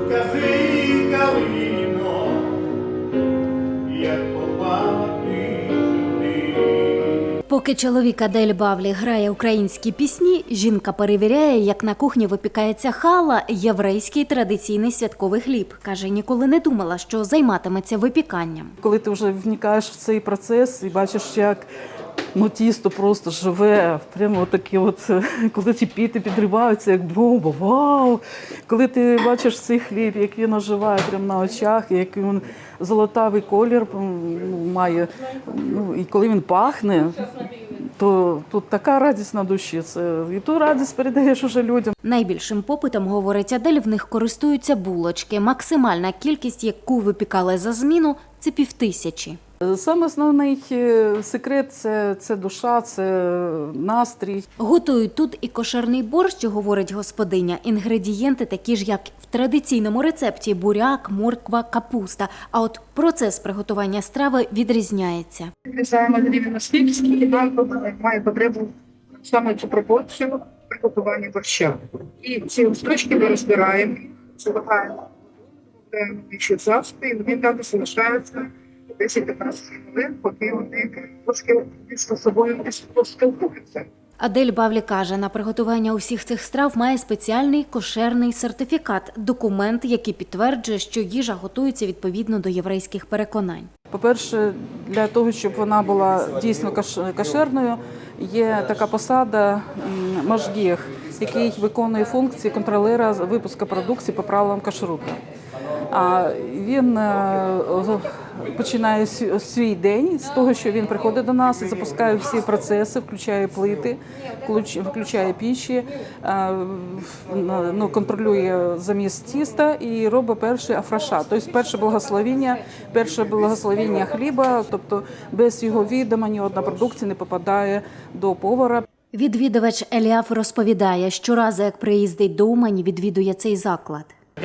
Скажи, Калино, як попала ти сюди. Поки чоловік Адель Бавлі грає українські пісні, жінка перевіряє, як на кухні випікається хала – єврейський традиційний святковий хліб. Каже, ніколи не думала, що займатиметься випіканням. Коли ти вже вникаєш в цей процес і бачиш, як тісто просто живе, прямо такі коли ці піти підриваються, як бомба, вау! Коли ти бачиш цей хліб, як він оживає прямо на очах, як він золотавий колір має, і коли він пахне, то тут така радість на душі. І ту радість передаєш уже людям. Найбільшим попитом, говорить Адель, в них користуються булочки. Максимальна кількість, яку випікали за зміну – це 5000. Саме основний секрет – це душа, це настрій. Готують тут і кошерний борщ, говорить господиня. Інгредієнти такі ж, як в традиційному рецепті – буряк, морква, капуста. А от процес приготування страви відрізняється. Відрізаємо рівно скільки нам має потребу саме цю пропорцію приготування борща. І ці листочки ми розбираємо, заливаємо в завжди, і вони так залишаються 10-15 хвилин, поки вони трошки між собою поспілкуються. Адель Бавлі каже, на приготування усіх цих страв має спеціальний кошерний сертифікат – документ, який підтверджує, що їжа готується відповідно до єврейських переконань. По-перше, для того, щоб вона була дійсно кошерною, є така посада машгіх, який виконує функції контролера випуску продукції по правилам кашруту. Він починає свій день з того, що він приходить до нас і запускає всі процеси, включає плити, включає пічі, контролює заміс тіста і робить перший афраша, тобто перше благословення хліба, тобто без його відома ні одна продукція не попадає до повара. Відвідувач Еліаф розповідає, щоразу, як приїздить до Умані, відвідує цей заклад.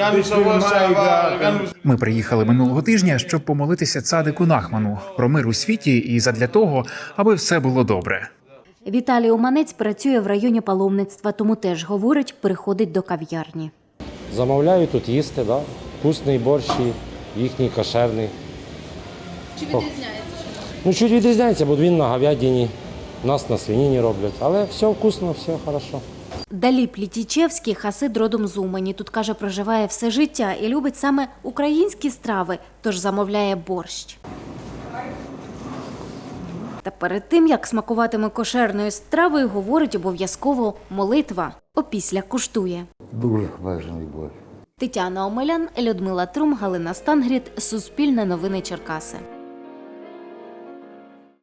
Ми приїхали минулого тижня, щоб помолитися цадику Нахману про мир у світі і задля того, аби все було добре. Віталій Уманець працює в районі паломництва, тому теж, говорить, приходить до кав'ярні. Замовляю тут їсти, да? Вкусний борщ, їхній кошерний. Чи відрізняється? Чуть відрізняється, бо він на говядині, нас на свинині роблять. Але все вкусно, все хорошо. Даліп Літічевський – хасид родом з Умані. Тут, каже, проживає все життя і любить саме українські страви, тож замовляє борщ. Та перед тим, як смакуватиме кошерною стравою, говорить обов'язково молитва. Опісля куштує. Дуже важливий борщ. Тетяна Омелян, Людмила Трум, Галина Стангріт, Суспільне новини Черкаси.